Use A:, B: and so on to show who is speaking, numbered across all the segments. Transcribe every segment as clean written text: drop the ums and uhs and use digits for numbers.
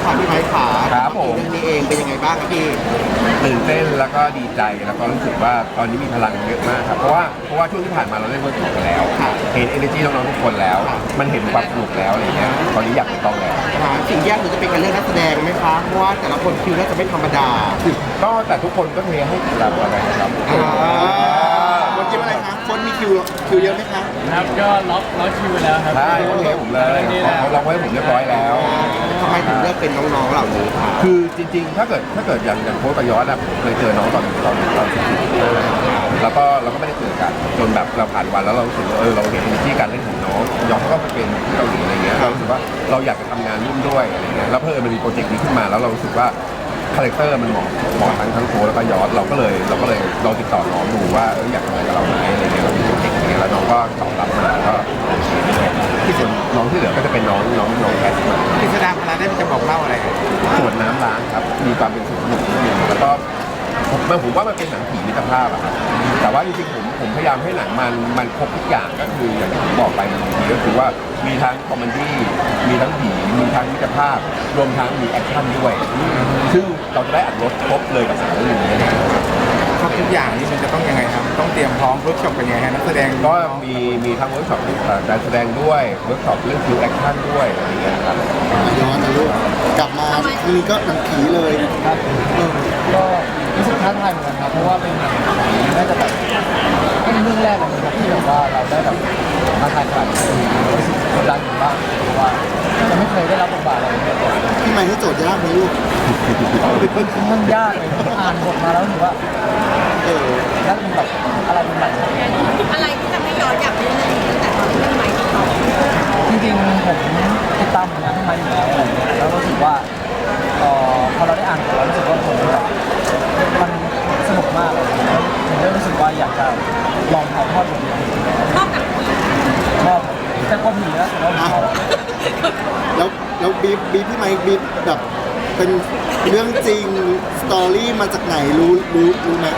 A: ค่ะพี่ไม้ขา
B: ครับผม
A: เรื่องนี้เองเป็นยังไงบ้างครับพี่
B: ตื่นเต้นแล้วก็ดีใจแล้วก็รู้สึกว่าตอนนี้มีพลังเยอะมากครับเพราะว่าช่วงที่ผ่านมาเราเล่นเวิร์กช็อปกันแล้วเห็น energy น้องๆทุกคนแล้ว มันเห็นความสนุกแล้วอะไรเงี้ยตอนนี้อยากไปต้องแล้ว
A: สิ่งยากคือจะเป็นการเรื่องนักแสดงไหมคะเพราะว่าแต่ละคนคิวน่าจะไม่ธรรมดา
B: ก็แต่ทุกคนก็เทให้เราอะไรครับ
A: คนคิวอะไรคะคนมีคิวเยอะไหมคะ
C: ครับก็ล็อกคิวไปแล้วครับ
B: ใช่เขาเทผมเลยเขาล็อกไว้ผมเรียบร้อยแล้ว
A: ทำไมถึงเลือกเป็นน้องๆเหล่านี้คะ
B: คือจริงๆถ้าเกิดอย่างโค้ชกับยอดอะผมเคยเจอน้องตอนแล้วก็เราก็ไม่ได้เจอกันจนแบบเราผ่านวันแล้วเรารู้สึกว่าเราเห็นที่การเล่นของน้องยอดเขาก็ไปเป็นที่เกาหลีอะไรเงี้ยเรารู้สึกว่าเราอยากจะทำงานร่วมด้วยอะไรเงี้ยแล้วเพิ่มมันมีโปรเจกต์นี้ขึ้นมาแล้วเรารู้สึกว่าคาแรคเตอร์มันเหมาะทั้งโค้ชแล้วก็ยอดเราก็เลยลองติดต่อน้องดูว่าอยากทำอะไรกับเราไหมอะไรเงี้ยเรามีโปรเจกต์นี้แล้วน้องก็ตอบรับมาก็ที่ส่วนน้องที่เหลือก็จะเป็นน้องแคสมา
A: กิจกรรมอะไรได้จะบอกเล่าอะไร
B: ส่วนน้ำล้างครับมีความเป็นสนุกแล้วก็ผมว่ามันเป็นหนังผีมิตรภาพอะครับแต่ว่าจริงๆผมพยายามให้หนังมันครบทุกอย่างก็คืออย่างที่ผมบอกไปบางทีก็คือว่ามีทั้งคอมเมดี้มีทั้งผีมีทั้งมิตรภาพรวมทั้งมีแอคชั่นด้วยซึ่งเราจะได้อัดรสครบเลยกับหนังเรื่องนี้
A: ครับทุกอย่างนี่มันจะต้องยังไงครับต้องเตรียมพร้อมเวิร์กช็อปเป็นยังไงนักแสดง
B: ก็มีทั้งเวิร์กช็อปการแสดงด้วยเวิร์กช็อปเรื่องคิวแอคชั่นด้วยอะไรอย่างเงี้ยครับ
A: ย้อนนะลูกกลับมาทีนี้ก็หนังผีเลย
C: ครับก็รู้สึกท้าทายเหมือนกันครับเพราะว่าเป็นหนังน่าจะแบบเป็นเรื่องแรกเลยครับที่แบบว่าเราได้แบบมาถ่ายทำรู้สึกกดดันอยู่บ้างเพราะว่าจะไม่เคยได้รับบทบาทอะไรแบบนี้
A: พี่ไมค์ให้โจทย์ยากไหมลูก
C: มันยากเลยอ่านบทมาแล้วถือว่าแล้วมันแบบอะไรเป็นใหม่
D: อะไรที่ทำให้ย้อนอยากเล่นเรื่องนี้ตั้งแต่ตอนที่พี่ไมค์ติดต่อ
C: จริงๆผมติดตามผลงานพี่ไมค์อยู่แล้วอะไรเงี้ยแล้วรู้สึกว่าพอเราได้อ่านบทแล้วรู้สึกว่าผมแบบมันสนุกมากเลยผมได้รู้สึกว่าอยากจะลองถ่ายทอดบทนี้
D: ชอบหนังผี
C: ชอบแต่ก็ผีนะแต่ว่าชอบ
A: แล้วบีพี่ไมค์บีแบบเป็นเรื่องจริงสตอรี่มาจากไหนรู้ไหม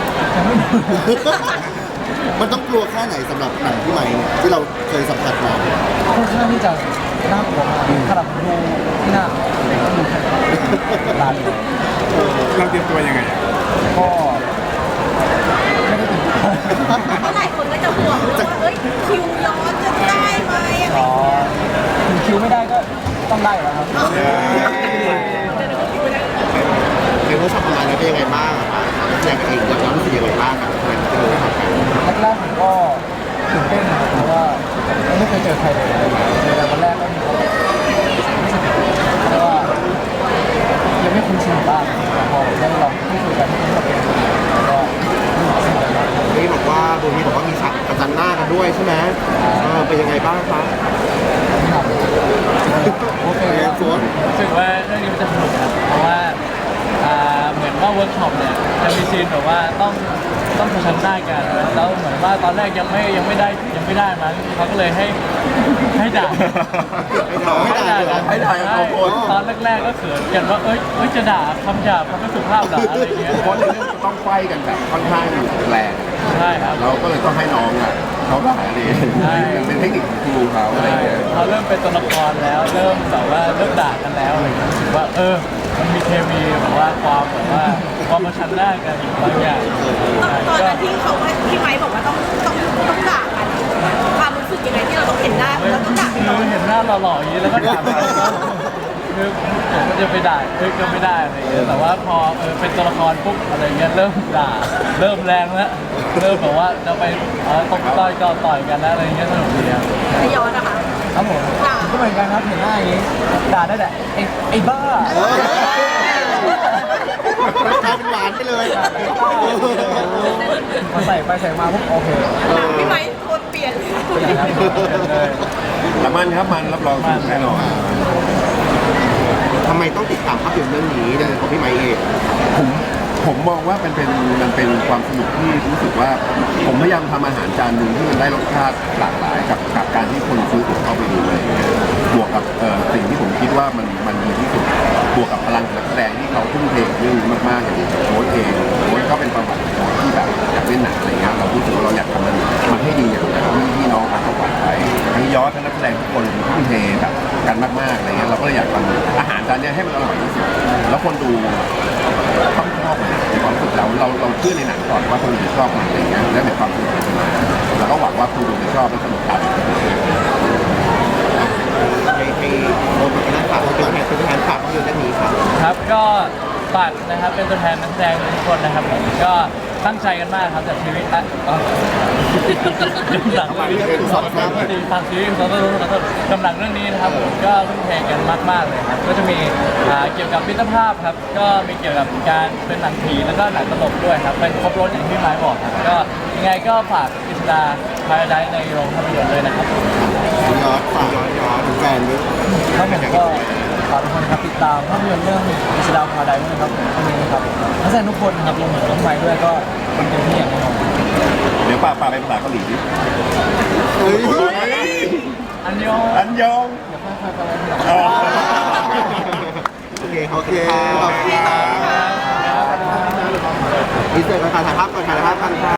A: มันต้องกลัวแค่ไหนสำหรับหนังพี่ไมค์เนี่ยที่เราเคยสัมผัสมา
C: ค่อนข้างที่จะน่ากลัวมากขนาดดูที่หน้าดูตาเลย
A: เราเตรียมตัวยังไง
C: ก็ไม่ได้ตื่นเต้น
D: เพราะหลายคนก็จะห่วงว่าเฮ้ยคิวย้อนจะได้ไหม
C: ถึงคิวไม่ได้ก็ต้องได้แล้วครับ
A: เป็นผู้ชมประมาณนี้เป็นยังไงบ้างครับแสดงเองแล้วรู้สึกยังไงบ้างกับการที่เราทำกัน
C: แรกๆผมก็ตื่นเต้นนะเพราะว่าไม่เคยเจอใครเลยเจอแต่วันแรกก็มีเขาแบบเพราะว่ายังไม่คุ้นชินบ้างแต่พอได้ลองพูดคุยกันที่เขาเป็นก็
A: นี่บอกว่าโบนี่บอกว่ามีฉากประจันหน้ากันด้วยใช่ไหมเป็นยังไงบ้างครับ
C: โอเครู้สึกว่าเรื่องนี้มันจะสนุกครับเพราะว่าเหมือนว่าเวิร์กช็อปเนี่ยจะมีซีนแบบว่าต้องประชันหน้ากันแล้วเหมือนว่าตอนแรกยังไม่ได้มั้งเขาก็เลยให้ด่าตอนแรกๆก็เขินกันว่าเอ้ยจะด่าคำหยาบคำไม่สุภาพด่าอะไรอย่างเงี้ย
B: เพราะในเรื่องจะต้องไฟกันแบบค่อนข้างแรง
C: ใช่ครับ
B: เราก็เลยต้องให้น้องเขาด่าดีเป็นเทคนิคของครูเขาอะไรอย่างเงี้ย
C: เขาเริ่มเป็นตัวละครแล้วเริ่มแบบว่าเริ่มด่ากันแล้วอะไรอย่างเงี้ยรู้สึกว่ามันมีเคมีแบบว่าความมาชันหน้ากันบางอย่าง
D: ตอนนั้นที่เขาพี่ไมค์บอกว่าต้องด่ากันความรู้สึกยังไงที่เราต้องเห็นหน้าแล้วต้องด่า
C: คือเห็นหน้าหล่อๆอย่างนี้แล้วก็ด่ากันคือผมก็จะไปด่าก็ไม่ได้อะไรอย่างเงี้ยแต่ว่าพอเป็นตัวละครปุ๊บอะไรเงี้ยเริ่มด่าเริ่มแรงแล้วเริ่มแบบว่าจะไปตบต่อยกันแล้วอะไรเงี้ยสนุกดีครับ
D: ไม่ย้อนนะคะ
C: ครับผมก็เหมือนกันครับเห็นหน้าอย่างนี้ด่าได้แต่ไอ้บ้าก
A: ลายเป็นหวานไปเลย
C: มาใส่ไปใส่มาปุ๊บโอเค
D: พี่ไมค์โคตรเปลี่ยน
B: แต่มันครับมันรับรองแน่นอน
A: ทำไมต้องติดตามภาพยนตร์เรื่องนี้โดยเฉพาะพี่ไมค์เอง
B: ผมมองว่ามันเป็นความสนุกที่รู้สึกว่าผมพยายามทำอาหารจานหนึ่งที่มันได้รสชาติหลากหลายกับการที่คนซื้อตั๋วเข้าไปดูเลยบวกกับสิ่งที่ผมคิดว่ามันดีที่สุดบวกกับพลังของนักแสดงที่เขาทุ่มเทเรื่องนี้มากๆอย่างโค้ชเองโค้ชก็เป็นประวัติที่แบบอยากเล่นหนังอะไรเงี้ยเรารู้สึกว่าเราอยากทำมันให้ดีอย่างที่น้องเขาหวังไว้ทั้งยอดทั้งนักแสดงทุกคนทุ่มเทแบบกันมากๆอะไรเงี้ยเราก็เลยอยากทำอาหารจานนี้ให้มันอร่อยที่สุดคนดูต้องชอบในความรู้สึกเราเชื่อในหนังก่อนว่าคนดูจะชอบมันอะไรเงี้ยและในความสนุกของมันแล้วก็หวังว่าคนดูจะชอบและสนุกกัน
E: ให้โมเป็นนักข่าวเป็นแทนฝากภาพยนตร์เรื่องนี้ครับ
C: ครับก็ฝากนะครับเป็นตัวแทนนักแสดงทุกคนนะครับผมก็ตั้งใจกันมากครับจากชีวิตหลัง
A: ฝากชีวิตของเรา
C: ฝากชีวิตของเรากำลังเรื่องนี้นะครับผมก็ทุ่มเทกันมากๆเลยครับก็จะมีเกี่ยวกับมิตรภาพครับก็มีเกี่ยวกับการเป็นหนังผีแล้วก็หนังตลกด้วยครับเป็นครบรถอย่างที่ไม้บอกครับก็ยังไงก็ฝากกฤษดาพาราไดซ์ในโรงภาพยนตร์เลยนะครับ
A: ยอดฝากถึงแฟนด้วย
C: ครับผมก็ฝากทุกคนครับติดตามภาพยนตร์เรื่องกฤษดาพาราไดซ์ด้วยนะครับวันนี้นะครับนักแสดงทุกคนครับรวมถึงน้องไม้ด้วยก็เป็นเต็มที่อย่างแน่นอน
B: เดี๋ยวป้าไปภาษาเกาหลีดิ
A: เฮ้ย
C: อันยอง
B: อันยอง
C: อย่าพลาดไปอะไรที่หลัง
E: โอเค
A: โอเคขอบคุณครับ
E: ดีเซลกันถ่ายภาพก่อนถ่ายภาพกันค่ะ